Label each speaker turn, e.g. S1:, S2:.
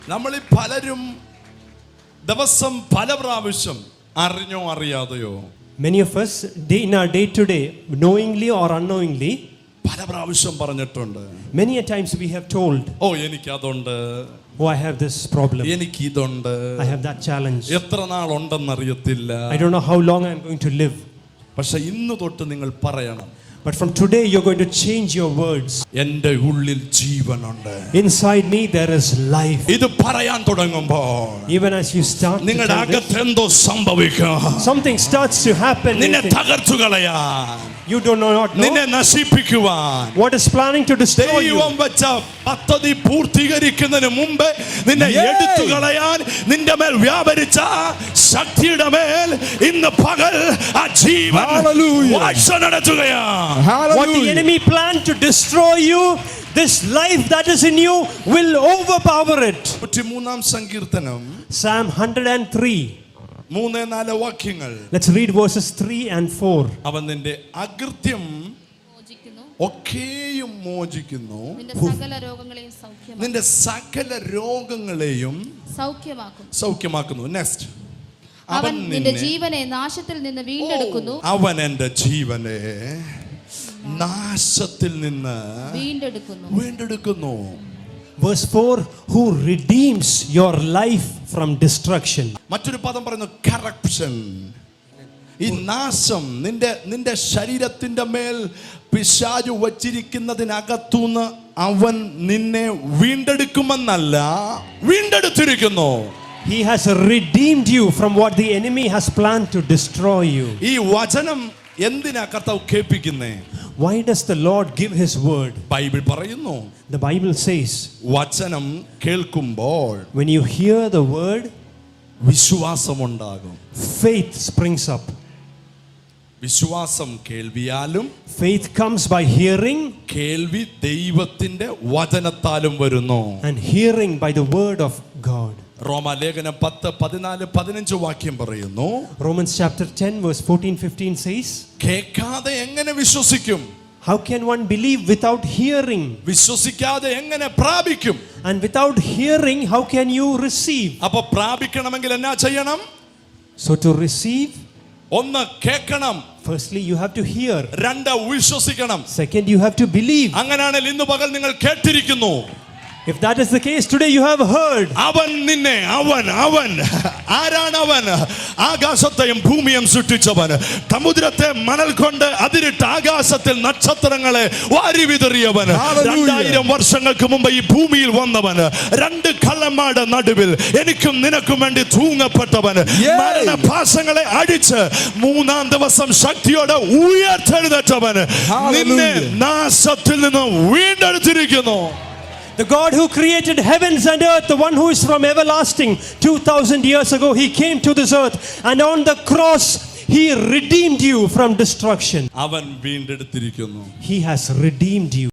S1: നമ്മളിൽ പലരും ദിവസം പല പ്രാവശ്യം അറിഞ്ഞോ അറിയാതെയോ
S2: Many of us, in our day to day, knowingly or unknowingly,
S1: പല പ്രാവശ്യം പറഞ്ഞിട്ടുണ്ട്.
S2: many a times we have told,
S1: ഓ എനിക്ക് അതുണ്ട്,
S2: oh, I have this problem,
S1: എനിക്ക് ഇതുണ്ട്,
S2: I have that challenge,
S1: എത്ര നാൾ ഉണ്ടെന്നറിയത്തില്ല.
S2: I don't know how long I'm going to live.
S1: പക്ഷെ ഇന്ന് തൊട്ട് നിങ്ങൾ പറയണം,
S2: But from today you're going to change your words.
S1: എൻ്റെ ഉള്ളിൽ ജീവനുണ്ട്.
S2: Inside me there is life.
S1: ഇത് പറയാൻ തുടങ്ങുമ്പോൾ
S2: Even as you start to
S1: നിങ്ങളുടെ
S2: tell this,
S1: അകത്ത് എന്തോ സംഭവിക്കും.
S2: something starts to happen.
S1: നിന്നെ
S2: within.
S1: തകർത്തു കളയാൻ,
S2: You do not
S1: നിന്നെ
S2: know
S1: നശിപ്പിക്കുവാൻ
S2: what is planning to destroy you.
S1: ദൈവം വെച്ച പദ്ധതി പൂർത്തീകരിക്കുന്നതിന് മുമ്പ് നിന്നെ എടുത്തു കളയാൻ നിന്റെ മേൽ വ്യാപരിച്ച ശക്തിയുടെ മേൽ ഇന്ന് പകൽ ആ ജീവൻ വാഴ്ച നടത്തുകയാണ്.
S2: What the enemy planned to destroy you, this life that is in you will overpower it.
S1: 103-ാം സങ്കീർത്തനം
S2: Psalm 103.
S1: 3-4 വാക്യങ്ങൾ.
S2: Let's read verses 3 and 4.
S1: അവൻ നിന്റെ അകൃത്യം
S3: മോചിക്കുന്നു,
S1: ഒക്കെയും മോചിക്കുന്നു,
S3: നിന്റെ സകല രോഗങ്ങളെയും
S1: നിന്റെ സകല രോഗങ്ങളെയും സൗഖ്യമാക്കുന്നു. നെക്സ്റ്റ്,
S3: അവൻ നിന്റെ ജീവനെ നാശത്തിൽ നിന്ന് വീണ്ടെടുക്കുന്നു,
S1: അവൻ എൻ്റെ ജീവനെ നാശത്തിൽ നിന്ന് വീണ്ടെടുക്കുന്നു.
S2: Verse 4, who redeems your life from destruction.
S1: മറ്റൊരു പദം പറയുന്നു കറപ്ഷൻ. ഈ നാശം നിന്റെ ശരീരത്തിന്റെ മേൽ പിശാചു വച്ചിരിക്കുന്നതിനകത്തുനിന്ന് അവൻ നിന്നെ വീണ്ടെടുക്കുമെന്നല്ല, വീണ്ടെടുത്തിരിക്കുന്നു.
S2: He has redeemed you from what the enemy has planned to destroy you.
S1: ഈ വചനം എന്തിനാ കർത്താവ് കേൾപ്പിക്കുന്നേ?
S2: Why does the Lord give his word?
S1: Bible പറയുന്നു,
S2: The Bible says,
S1: വചനം കേൾക്കുമ്പോൾ
S2: when you hear the word,
S1: വിശ്വാസമുണ്ടാകും.
S2: faith springs up.
S1: വിശ്വാസം കേൾവിയാലും,
S2: Faith comes by hearing,
S1: കേൾവി ദൈവത്തിന്റെ വചനത്താലും വരുന്നു.
S2: and hearing by the word of God.
S1: റോമാലേഖനം 10-14-15 വാക്യം പറയുന്നു,
S2: Romans chapter 10 verse 14-15 says,
S1: കേൾക്കാതെ എങ്ങനെ വിശ്വസിക്കും?
S2: how can one believe without hearing?
S1: വിശ്വസിക്കാതെ എങ്ങനെ പ്രാപിക്കും?
S2: And without hearing, how can you receive?
S1: അപ്പൊ പ്രാപിക്കണമെങ്കിൽ എന്നാ ചെയ്യണം?
S2: So to receive,
S1: ഒന്ന് കേൾക്കണം,
S2: firstly you have to hear.
S1: രണ്ട് വിശ്വസിക്കണം.
S2: Second, you have to believe.
S1: അങ്ങനെയാണെങ്കിൽ ഇന്ന് പകൽ നിങ്ങൾ കേട്ടിരിക്കുന്നു.
S2: If that is the case, today you have heard.
S1: അവൻ നിന്നെ അവൻ ആരാണ് അവൻ? ആകാശത്തെയും ഭൂമിയും സൃഷ്ടിച്ചവൻ, സമുദ്രത്തെ മണൽ കൊണ്ട് അതിരിട്ട് ആകാശത്തിൽ നക്ഷത്രങ്ങളെ വാരി വിതറിയവൻ, 2000 വർഷങ്ങൾക്ക് മുമ്പ് ഈ ഭൂമിയിൽ വന്നവൻ, രണ്ട് കള്ളന്മാരുടെ നടുവിൽ എനിക്കും നിനക്കും വേണ്ടി തൂങ്ങപ്പെട്ടവൻ, മരണപാശങ്ങളെ അടിച്ച് 3-ാം ദിവസം ശക്തിയോടെ ഉയർത്തെഴുന്നേറ്റവൻ, നിന്നെ നാശത്തിൽ നിന്ന് വീണ്ടെടുത്തിരിക്കുന്നു.
S2: The God who created heavens and earth, the one who is from everlasting, 2000 years ago he came to this earth, and on the cross he redeemed you from destruction.
S1: അവൻ വീണ്ടെടുത്തിരിക്കുന്നു.
S2: He has redeemed you.